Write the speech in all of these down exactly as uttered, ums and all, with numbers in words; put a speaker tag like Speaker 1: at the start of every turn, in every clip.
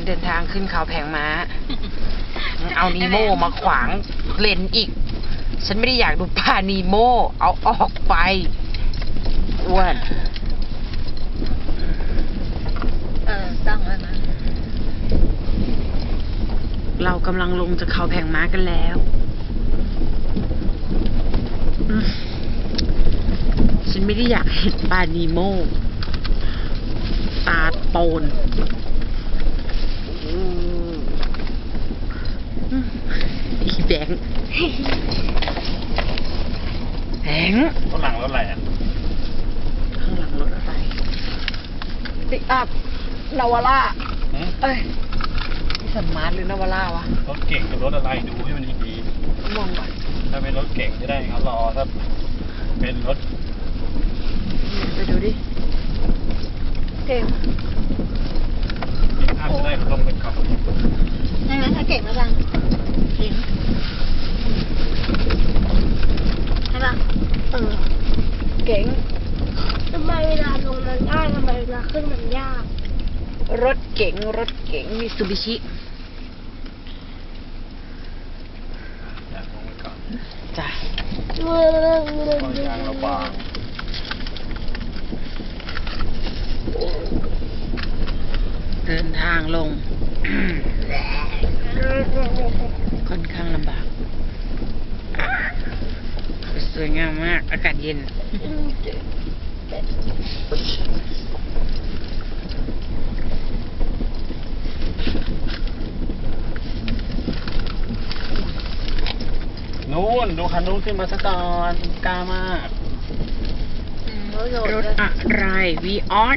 Speaker 1: เดินทางขึ้นเขาแผงม้าเอานีโมมาขวางเลนอีกฉันไม่ได้อยากดูปลานีโมเอาออกไปอ้วน
Speaker 2: เออตั้งแล้วนะ
Speaker 1: เรากำลังลงจากเขาแผงม้ากันแล้วฉันไม่ได้อยากเห็นปลานีโมตาโปนอีแบงค์แบงค์
Speaker 3: ข้างหลังรถอะไรอ่ะ
Speaker 1: ข้างหลังรถอะไรปิกอัพนาวาร่าเอ้ยสมาร์ทหรือนาวาร่าวะ
Speaker 3: รถเก่งกับรถอะไรดูให้มันดี
Speaker 1: ๆมองก่อน
Speaker 3: ถ้าเป็นรถเก่งจะได้เขารอถ้าเป็นรถ
Speaker 1: ไปดูดิเก่ง
Speaker 3: ถ้าจะได้เขาลงไปก่อน
Speaker 2: ได้ไหมถ้าเก่งแล้วกันเก่งใช่ป่ะเออ
Speaker 1: เก่ง
Speaker 2: ทำไมเวลาลงมันง่ายทำไมเวลาขึ้นมันยาก
Speaker 1: รถเก๋งรถเก๋งมิตซูบิชิ
Speaker 3: อยากลงไปก่อน
Speaker 1: จ้ะ
Speaker 3: ก็ยางระบาง
Speaker 1: เดินทางลงค่อนข้างลำบากสวยงามมากอากาศเย็น
Speaker 3: นู้นดูคันนู้นขึ้นมาสักตอนกล้ามาก
Speaker 1: รถอะไรวีออส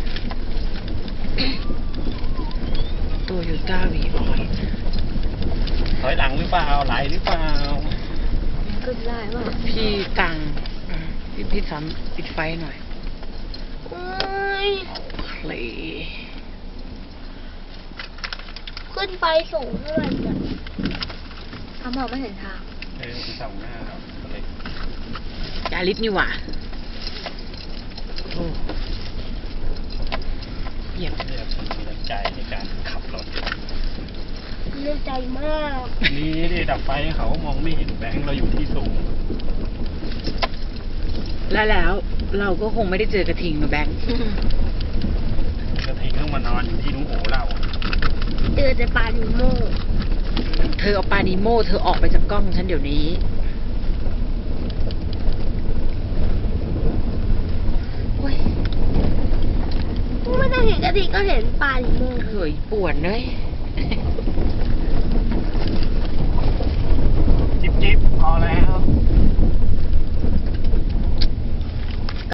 Speaker 1: โตโยต้าวีออส
Speaker 3: ถอยหลังหรือเปล่าไหลหรือเปล่า
Speaker 2: ขึ้นได้ป่ะ
Speaker 1: พี่ตังพี่พี่สามปิดไฟหน่อย
Speaker 2: เอ้ย
Speaker 1: เลย
Speaker 2: ขึ้นไปสูงเท่าไหร่เนี่ยทำมองไม่เห็นทาง
Speaker 3: เออที่สองหน้าเราเลย
Speaker 1: ยาลิสนี่หว่าเหยียบ
Speaker 3: เรียกคนมีน้ำใจในการขับรถ
Speaker 2: เลือกใจมาก
Speaker 3: นี่นี่ดับไฟเขามองไม่เห็นแบงค์เราอยู่ที่สูง
Speaker 1: และแล้วเราก็คงไม่ได้เจอกระทิงนะแบงค์
Speaker 3: กระทิงต้องมานอนอยู่ที่นุ้งโอเรา
Speaker 2: เจอแต่ปลานิโม
Speaker 1: เธอเอาปลานิโมเธอออกไปจากกล้องฉันเดี๋ยวนี้
Speaker 2: ไม่ต้องเห็นกระทิงก็เห็นปลานิโม
Speaker 1: เฮ้ยปวดเลย